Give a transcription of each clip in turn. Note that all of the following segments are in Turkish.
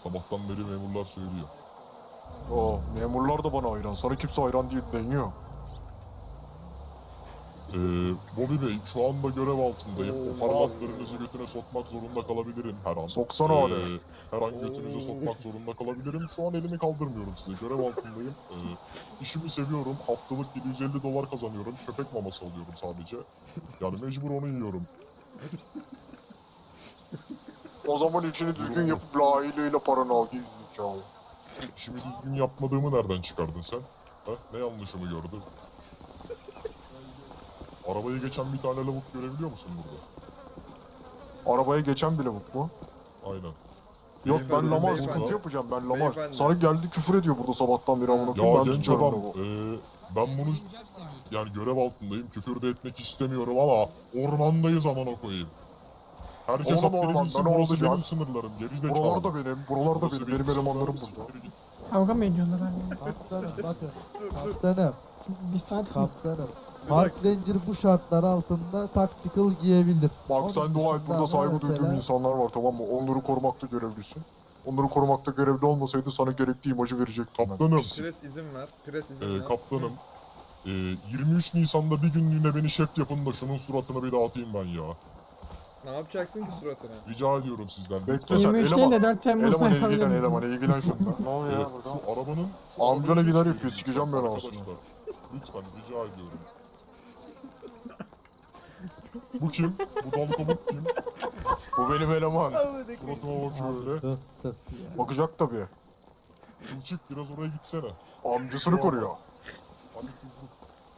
Sabahtan beri memurlar söylüyor. Memurlar da bana hayran. Sana kimse hayran değil deniyor. Bobby Bey, şu anda görev altındayım. O parmaklarınızı götüne sokmak zorunda kalabilirim her an. Soksana hadi. Her an götünüze sokmak zorunda kalabilirim. Şu an elimi kaldırmıyorum size. Görev altındayım. İşimi seviyorum. Haftalık $750 kazanıyorum. Köpek maması alıyorum sadece. Yani mecbur onu yiyorum. O zaman işini düzgün yapıp layığıyla paranı al gerizekalı. İşimi düzgün yapmadığımı nereden çıkardın sen? Ha? Ne yanlışımı gördün? Arabayı geçen bir tane lavuk görebiliyor musun burada? Arabaya geçen bile bu mu? Aynen. Yok ben Beyefendi, Lamar beyefendi. sıkıntı yapacağım ben Lamar. Beyefendi. Sana geldi küfür ediyor burada sabahtan beri amına Ya koyayım. Ben genç tutuyorum adam, lavuğu. ben bunu yani görev altındayım, küfür de etmek istemiyorum ama ormandayız amına koyayım. Herkes Oğlum haddini ormanda bilsin, ne burası olacak? benim sınırlarım, gerizekalı. Buralar da benim, buralar da Burası benim elemanlarım sınırlarım, burada. siktir git. Kavga mı ediyorlar hani? Kaptanım bakın. Kaptanım. Bir saat Kaptanım. Park Ranger bu şartlar altında tactical giyebilir. Bak Onun sen dua et dışında burada saygı mesela- duyduğum insanlar var tamam mı? Onları korumakta görevlisin. Onları korumakta görevli olmasaydı sana gerekli imajı verecektim ben. Kaptanım, Pres izin ver. Pres izin ver. kaptanım. 23 Nisan'da bir günlüğüne beni şef yapın da şunun suratına bir dağıtayım ben ya. Ne yapacaksın ki suratına? Rica ediyorum sizden. Bekle lütfen. sen 23 değil eleman. de 4 Temmuz'da Eleman yapabilir ilgilen misin? eleman ilgilen şundan. Ne oluyor ya burada? Şu arabanın... Amcana arabanın gider hiç yapıyor, sikeceğim ben arkadaşlar. aslında. Lütfen rica ediyorum. Bu kim? Bu dal komut kim? Bu benim eleman. Suratıma bakıyor öyle. Tık tık. Bakacak tabii. Kılçık biraz oraya gitsene. Amcasını koruyor. Hadi kızım.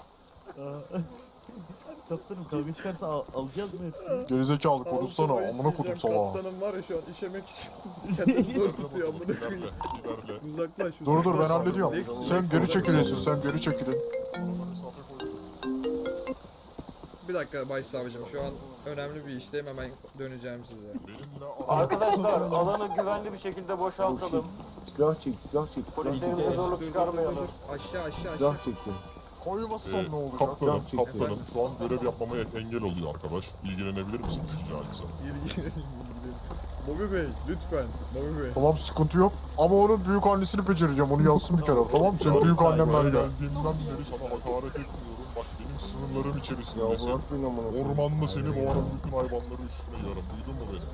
Kaptanım kavga çıkarsa alacağız mı hepsini? Gerizekalı konuşsana Altıma amına kodum işeyeceğim. salağa. Kaptanım var ya şu an işemek için kendini zor tutuyor amına İlerle, koyayım. ilerle. Uzaklaş. Dur ben uzaklaş. hallediyorum. Lex, Sen Lex, geri uzaklaş. çekilin sen geri çekilin. Mesafe koy. Bir dakika başsavcım şu an önemli bir işteyim hemen döneceğim size. Benimle Arkadaşlar alanı güvenli bir şekilde boşaltalım. Silah çek, silah çek. Polislerimize zorluk çıkarmayalım. Aşağı. Silah çekti. Koymazsan ne olacak? Kaptanım, Silah kaptanım şu an görev yapmama engel oluyor arkadaş. İlgilenebilir misiniz rica etsem? İlgilenin. Bobby Bey lütfen. Bobby Bey. Tamam sıkıntı yok. Ama onun büyük annesini becereceğim. Onu yazsın bir kere tamam mı? Senin büyük annen Buraya ben gel. geldiğimden beri sana hakaret etmiyorum. Bak benim sınırlarım içerisindesin. Ormanda seni boğaran bütün hayvanları üstüne yarım. Duydun mu beni?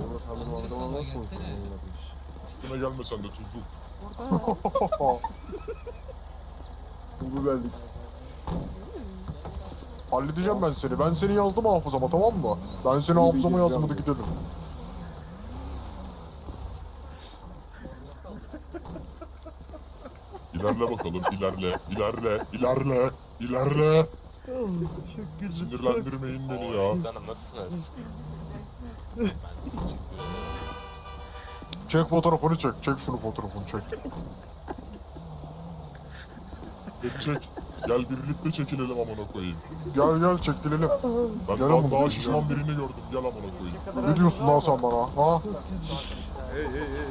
Üstüme gelme sen de tuzlu. Bu verdik. Halledeceğim ben seni. Ben seni yazdım hafızama tamam mı? Ben seni hafızama yazdım hadi gidelim. İlerle bakalım, ilerle. Sinirlendirmeyin beni ya. Canım nasılsınız? Çek fotoğrafını çek. Çek şunu fotoğrafını çek. Çek. Gel birlikte çekilelim amına koyayım. Gel çekilelim. Ben Gel daha, amına daha koyayım. şişman birini gördüm. Gel amına koyayım. Ne diyorsun lan sen bana? Ha? Hey.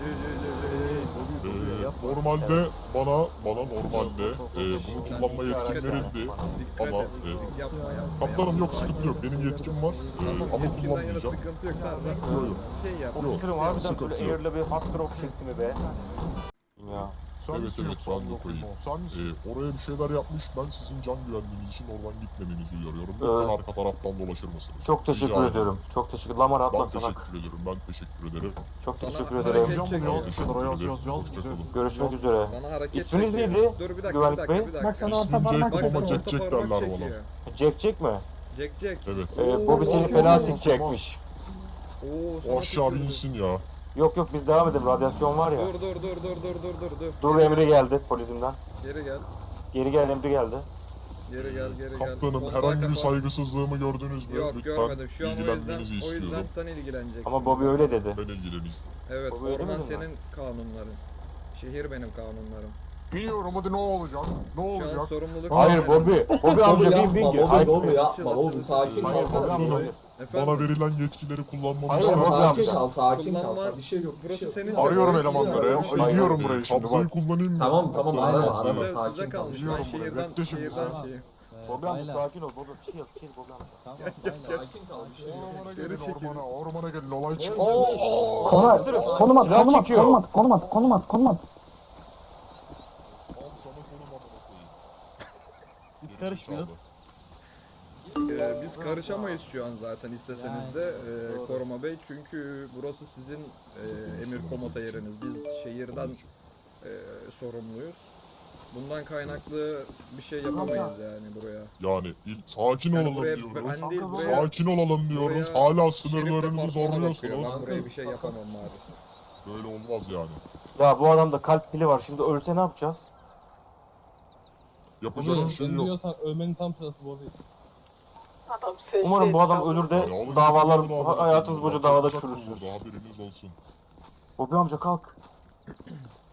Normalde bana normalde bunu kullanma yetkim verildi. Dikkat Ama et. Yapma. kaptanım yok sıkıntı yok. Benim yetkim var ama Yetkinden yana kullanmayacağım. sıkıntı yok. Sen Yok. şey yap. Yok. Ofisirim harbiden sıkıntı böyle yok. air'la bir hard drop şeklimi be. Ya. Sen Evet, misin evet, yoksa ben amına de koyayım o? Sen misin? Oraya bir şeyler yapmış. Ben sizin can güvenliğiniz için oradan gitmemenizi uyarıyorum. Lütfen arka taraftan dolaşır mısınız? Çok teşekkür Rica ediyorum. Çok teşekkür. Lamar Ben atla sana. teşekkür ederim. Ben teşekkür ederim. Çok Sana teşekkür hareket ederim. çek- Yazacağım bunu yaz bir Teşekkür kenara yaz ederim. yaz yaz. Hoşçakalın. Görüşmek üzere. Sana hareket İsminiz çekiyor. neydi? Dur bir dakika, Güvenlik bir dakika, Bey? bir dakika. Bak sana İsmim orta parmak Jack Bak ama sana çekiyor. Jack orta Jack parmak derler bana. çekiyor. Jack mi? Jack. Evet. Bobby seni fena sikecekmiş. Oo, sana O aşağı bir tükürdü. insin ya. Yok biz devam edelim. Radyasyon var ya. Dur. Dur emri geldi polisimden. Geri gel. Geri gel emri geldi. Geri gel. Kaptanım Kontağı herhangi bir kapat. saygısızlığımı gördünüz mü? Yok Lütfen görmedim. Şu an o yüzden, ilgilenmenizi istiyorum. sen ilgileneceksin. Ama Bobby öyle dedi. Ben ilgileneyim. Evet, Bobby öyle orman mi dedi senin kanunların. Şehir benim kanunlarım. Biliyorum hadi ne olacak? Ne Şu an olacak? sorumluluk Hayır Bobby. Bobby amca bin gir. Hayır Bobby yapma, Açıl, Bobby açıl. sakin Hayır ol. Bobby amca hayır. Efendim, Bana verilen yetkileri kullanmamı Hayır, ister Bobby misiniz? Sakin kal, sakin kal. Kullanma- Bir şey yok. bir burası şey yok. senin Arıyorum senin- elemanları. senin- Arıyorum burayı şimdi Kabzayı bak. kullanayım mı? Tamam, arama, Size sakin kal. kalmış. Ben Biliyorum burayı, şehirden bekle şimdi sen. şeyi. Bobi amca sakin ol. Bobi bir şey yok. Bir şey yok Bobi amca. Tamam aynen. Sakin kal. Bir şey yok. Ormana Geri gelin, çekilin. ormana gelin, olay çıktı. Konum at, konum at, konum at, konum at, konum at, konum at, konum at. Al sana konum amına koyayım. Biz karışmıyoruz. Biz karışamayız şu an zaten isteseniz de Koruma Bey, çünkü burası sizin emir komuta yeriniz. Biz şehirden sorumluyuz. Bundan kaynaklı bir şey yapamayız yani buraya. Yani sakin Yani olalım buraya, diyoruz. ben değil buraya Sakin olalım diyoruz. buraya Hala Şerif sınırlarınızı departmanı bakıyor. zorluyorsunuz. Ben buraya bir şey yapamam maalesef. Böyle olmaz yani. Ya bu adamda kalp pili var. Şimdi ölse ne yapacağız? Yapacak bir şey yok. Ölüyorsan ölmenin tam sırası bu değil. Umarım bu adam ölür de Yani alın davalar gidin bunu hayatınız alın. boyunca davada Yapacak çürürsünüz. burada, haberiniz olsun. Bobi amca kalk.